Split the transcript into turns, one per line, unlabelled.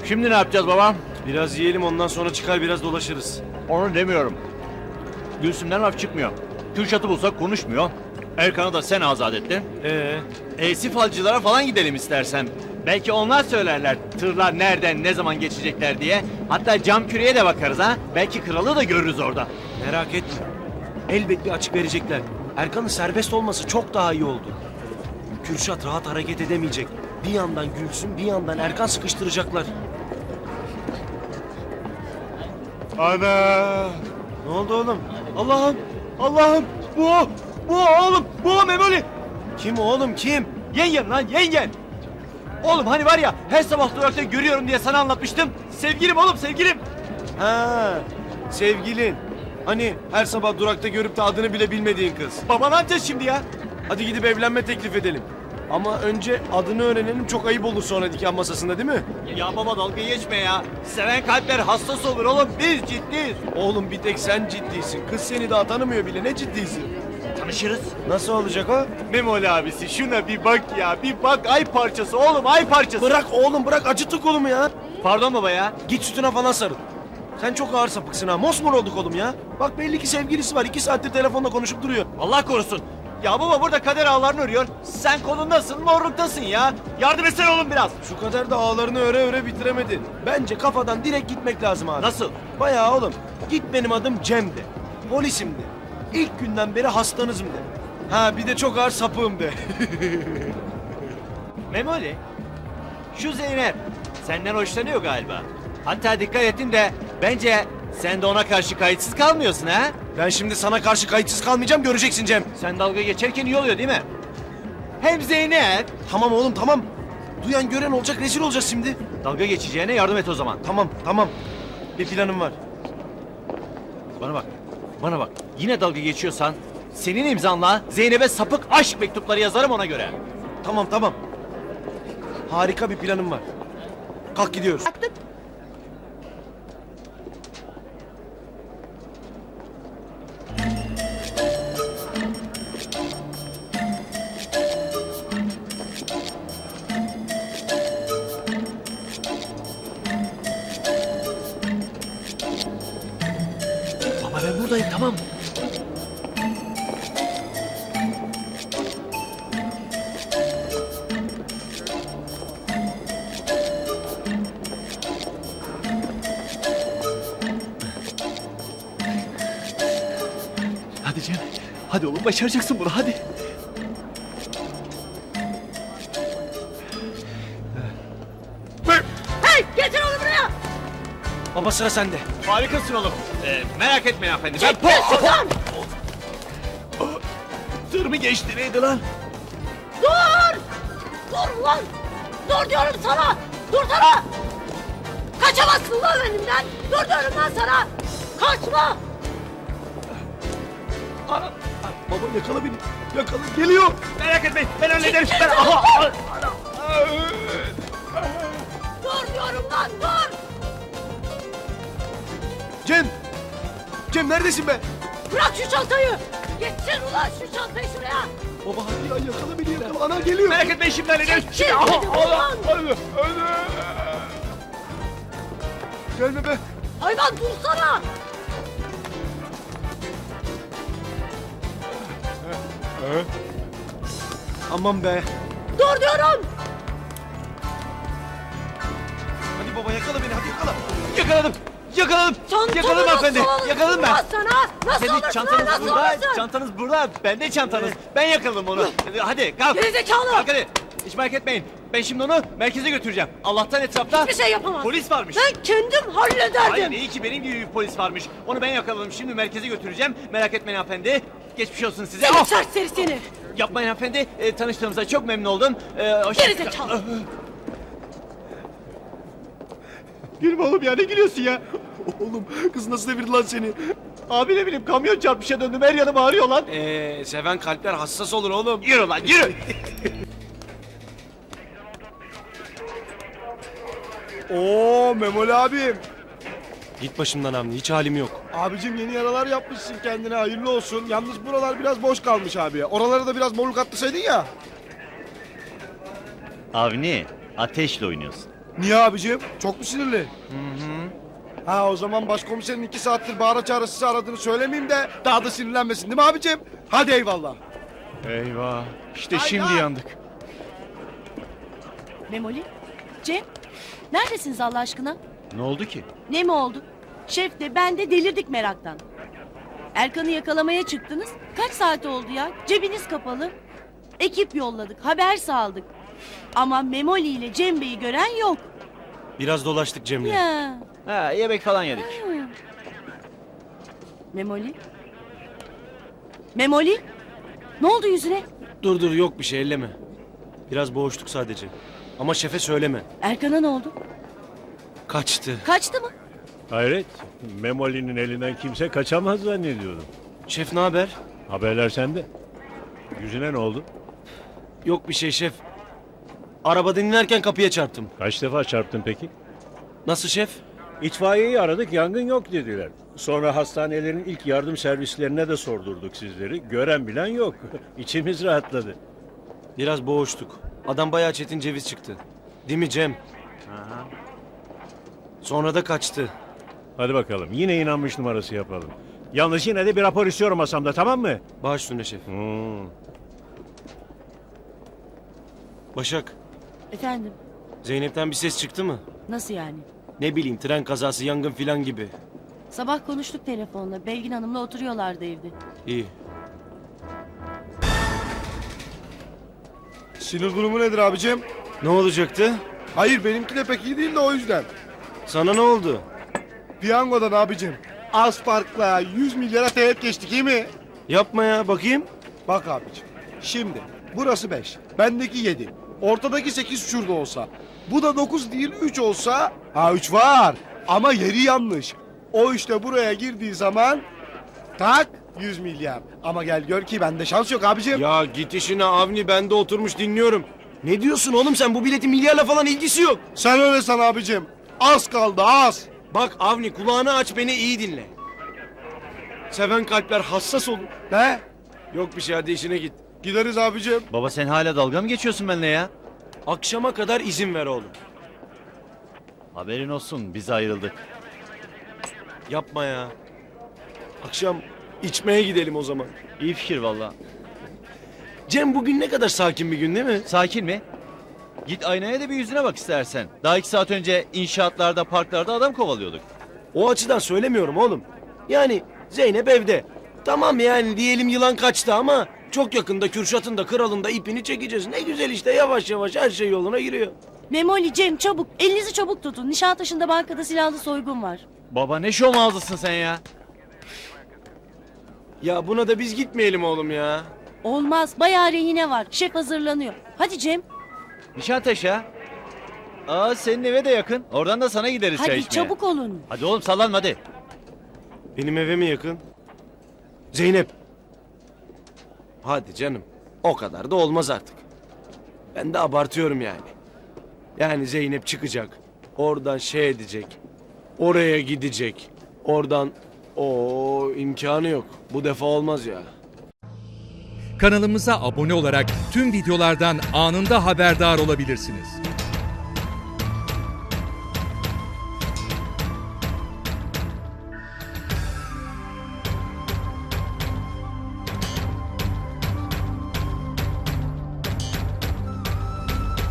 Şimdi ne yapacağız baba?
Biraz yiyelim, ondan sonra çıkar biraz dolaşırız.
Onu demiyorum. Gülsüm'den laf çıkmıyor. Kürşat'ı bulsak konuşmuyor. Erkan'ı da sen azat ettin. Falcılara falan gidelim istersen. Belki onlar söylerler tırlar nereden ne zaman geçecekler diye. Hatta cam küreye de bakarız ha. Belki kralı da görürüz orada.
Merak etme. Elbet bir açık verecekler. Erkan'ın serbest olması çok daha iyi oldu. Kürşat rahat hareket edemeyecek. Bir yandan Gülsüm, bir yandan Erkan sıkıştıracaklar.
Ana!
Ne oldu oğlum?
Allah'ım! Allah'ım! Bu o! Bu o oğlum! Bu o Memoli!
Kim oğlum, kim?
Yengen lan yengen! Oğlum hani var ya her sabah durakta görüyorum diye sana anlatmıştım. Sevgilim oğlum sevgilim!
Ha, sevgilin. Hani her sabah durakta görüp de adını bile bilmediğin kız.
Baba ne yapacağız şimdi ya?
Hadi gidip evlenme teklif edelim. Ama önce adını öğrenelim, çok ayıp olur sonra nikah masasında, değil mi?
Ya baba dalga geçme ya. Seven kalpler hassas olur oğlum. Biz ciddiyiz.
Oğlum bir tek sen ciddisin. Kız seni daha tanımıyor bile, ne ciddiysin?
Tanışırız.
Nasıl olacak o?
Memoli abisi şuna bir bak ya. Bir bak ay parçası oğlum ay parçası.
Bırak oğlum, bırak, acıttık kolumu ya.
Pardon baba ya.
Git sütüne falan sarıl. Sen çok ağır sapıksın ha. Mosmor olduk oğlum ya. Bak belli ki sevgilisi var. 2 saattir telefonla konuşup duruyor.
Allah korusun. Ya baba burada kader ağlarını örüyor. Sen kolundasın morluktasın ya. Yardım etsene oğlum biraz.
Şu kadar da ağlarını öre öre bitiremedi. Bence kafadan direkt gitmek lazım abi.
Nasıl?
Bayağı oğlum. Git benim adım Cem'di. Polisimdi. İlk günden beri hastanızım de. Ha bir de çok ağır sapığım de.
Memoli. Şu Zeynep senden hoşlanıyor galiba. Hatta dikkat ettin de bence sen de ona karşı kayıtsız kalmıyorsun ha?
Ben şimdi sana karşı kayıtsız kalmayacağım, göreceksin Cem.
Sen dalga geçerken iyi oluyor değil mi? Hem Zeynep
Tamam oğlum, tamam. Duyan gören olacak, rezil olacağız şimdi.
dalga geçeceğine yardım et o zaman.
Tamam, tamam. Bir planım var.
Bana bak. Bana bak. Yine dalga geçiyorsan senin imzanla Zeynep'e sapık aşk mektupları yazarım ona göre.
Tamam, tamam. Harika bir planım var. Kalk gidiyoruz.
Baba ben buradayım tamam. Hadi Cem. Hadi oğlum başaracaksın bunu hadi.
Hey getir onu buraya.
Baba sıra sende.
Harikasın oğlum. Merak etmeyin hanımefendi. Ben
Çekil şuradan.
Tır mı geçti neydi lan?
Dur. Dur lan. Dur diyorum sana. Dursana. Kaçamazsın lan elimden. Dur diyorum ben sana. Kaçma.
Baba yakala beni. Yakala, geliyor.
Merak etmeyin ben hallederim.
Çekil
Ben...
şuradan.
Aha!
Dur diyorum lan dur.
Cem. Cem neredesin be?
Bırak şu çantayı. Geçsin ulan şu çantayı şuraya.
Baba hadi ya, yakala beni, yakala. Ana geliyor.
Merak etmeyin şimdi hallederim.
Çekil
Aha!
dedim ulan.
Gelme be.
Hayvan dursana.
Aman be.
Dur diyorum.
Hadi baba yakala beni, hadi yakala.
Yakaladım. Yakaladım.
Çantamı
Yakaladım
nasıl
hanımefendi.
alırsın
Yakaladım ben.
lan sana? Nasıl
Senin
alırsın
çantanız
nasıl
burada.
alırsın?
Çantanız burada. Bende çantanız. Ben yakaladım onu. Hadi kalk.
Gerizekalı.
Kalk hadi. Hiç merak etmeyin. Ben şimdi onu merkeze götüreceğim. Allah'tan etrafta
Hiçbir şey yapamaz.
polis varmış.
Ben kendim hallederdim.
Hayır iyi ki benim gibi bir polis varmış. Onu ben yakaladım. Şimdi merkeze götüreceğim. Merak etmeyin hanımefendi. Geçmiş olsun size.
Seni
Ah!
serseri seni.
Yapmayın hanımefendi. Tanıştığımıza çok memnun oldum.
Gerizekalı.
Gülme oğlum ya ne gülüyorsun ya?
Oğlum kız nasıl devirdi lan seni?
Abi ne bileyim kamyon çarpmışa döndüm her yanım ağrıyor lan.
Seven kalpler hassas olur oğlum.
Yürü lan yürü.
Oo Memoli abim.
Git başımdan Hamdi, hiç halim yok.
Abicim yeni yaralar yapmışsın kendine, hayırlı olsun. Yalnız buralar biraz boş kalmış abi. Oralara da biraz morluk atlasaydın ya.
Avni ateşle oynuyorsun.
Niye abicim? Çok mu sinirli? Ha o zaman başkomiserin 2 saattir bağıra çağıra sizi aradığını söylemeyeyim de daha da sinirlenmesin değil mi abicim? Hadi eyvallah.
Eyvah. İşte
Hayda!
şimdi yandık.
Memoli, Cem, neredesiniz Allah aşkına?
Ne oldu ki?
Ne mi oldu? Şef de ben de delirdik meraktan. Erkan'ı yakalamaya çıktınız. Kaç saat oldu ya? Cebiniz kapalı. Ekip yolladık, haber saldık. Ama Memoli ile Cem Bey'i gören yok.
Biraz dolaştık Cem'le.
Ya.
Ha, yemek falan yedik.
Memoli? Memoli? Ne oldu yüzüne?
Dur yok bir şey elleme. Biraz boğuştuk sadece. Ama şefe söyleme.
Erkan'a ne oldu?
Kaçtı.
Kaçtı mı?
Hayret, Memoli'nin elinden kimse kaçamaz zannediyordum.
Şef ne haber?
Haberler sende. Yüzüne ne oldu?
Yok bir şey şef. Araba dinlerken kapıya çarptım.
Kaç defa çarptın peki?
Nasıl şef?
İtfaiyeyi aradık, yangın yok dediler. Sonra hastanelerin ilk yardım servislerine de sordurduk sizleri. Gören bilen yok. İçimiz rahatladı.
Biraz boğuştuk. Adam bayağı çetin ceviz çıktı. Değil mi Cem? Sonra da kaçtı.
Hadi bakalım, yine inanmış numarası yapalım. Yalnız yine de bir rapor istiyorum masamda, tamam mı?
Baş üstüne şef. Başak,
Efendim,
Zeynep'ten bir ses çıktı mı?
nasıl yani?
Ne bileyim tren kazası, yangın filan gibi.
Sabah konuştuk telefonla. Belgin Hanım'la oturuyorlardı evde.
İyi.
Sinir durumu nedir abicim?
Ne olacaktı?
Hayır benimki de pek iyi değil de o yüzden.
Sana ne oldu?
Piyangodan abicim. Az farkla 100 milyara teğet geçtik iyi mi?
Yapma ya bakayım.
Bak abicim. Şimdi burası 5. Bendeki 7. Ortadaki 8 şurada olsa. Bu da 9 değil 3 olsa. Ha 3 var. Ama yeri yanlış. O işte buraya girdiği zaman tak 100 milyar. Ama gel gör ki bende şans yok abicim.
Ya git işine Avni, ben de oturmuş dinliyorum. Ne diyorsun oğlum sen, bu biletin milyarla falan ilgisi yok.
Sen öyle san abicim. Az kaldı az.
Bak Avni, kulağını aç, beni iyi dinle. Seven kalpler hassas olur.
Ne?
Yok bir şey, hadi işine git.
Gideriz abicim.
Baba sen hala dalga mı geçiyorsun benimle ya?
Akşama kadar izin ver oğlum.
Haberin olsun biz ayrıldık.
Yapma ya. Akşam içmeye gidelim o zaman.
İyi fikir valla.
Cem bugün ne kadar sakin bir gün değil mi?
Sakin mi? Git aynaya da bir yüzüne bak istersen. Daha 2 saat önce inşaatlarda, parklarda adam kovalıyorduk.
O açıdan söylemiyorum oğlum. Yani Zeynep evde. Tamam yani diyelim yılan kaçtı ama çok yakında Kürşat'ın da kralın da ipini çekeceğiz. Ne güzel işte, yavaş yavaş her şey yoluna giriyor.
Memoli, Cem çabuk. Elinizi çabuk tutun. Nişantaşı'nda bankada silahlı soygun var.
Baba ne şov ağzısın sen ya?
Ya buna da biz gitmeyelim oğlum ya.
Olmaz. Bayağı rehine var. Şef hazırlanıyor. Hadi Cem.
Nişantaşı ha? Aa senin eve de yakın. Oradan da sana gideriz çay
Hadi
içmeye.
çabuk olun.
Hadi oğlum sallanma hadi.
Benim eve mi yakın? Zeynep. Hadi canım. O kadar da olmaz artık. Ben de abartıyorum yani. Yani Zeynep çıkacak. Oradan şey edecek. Oraya gidecek. Oradan o imkanı yok. Bu defa olmaz ya.
Kanalımıza abone olarak tüm videolardan anında haberdar olabilirsiniz.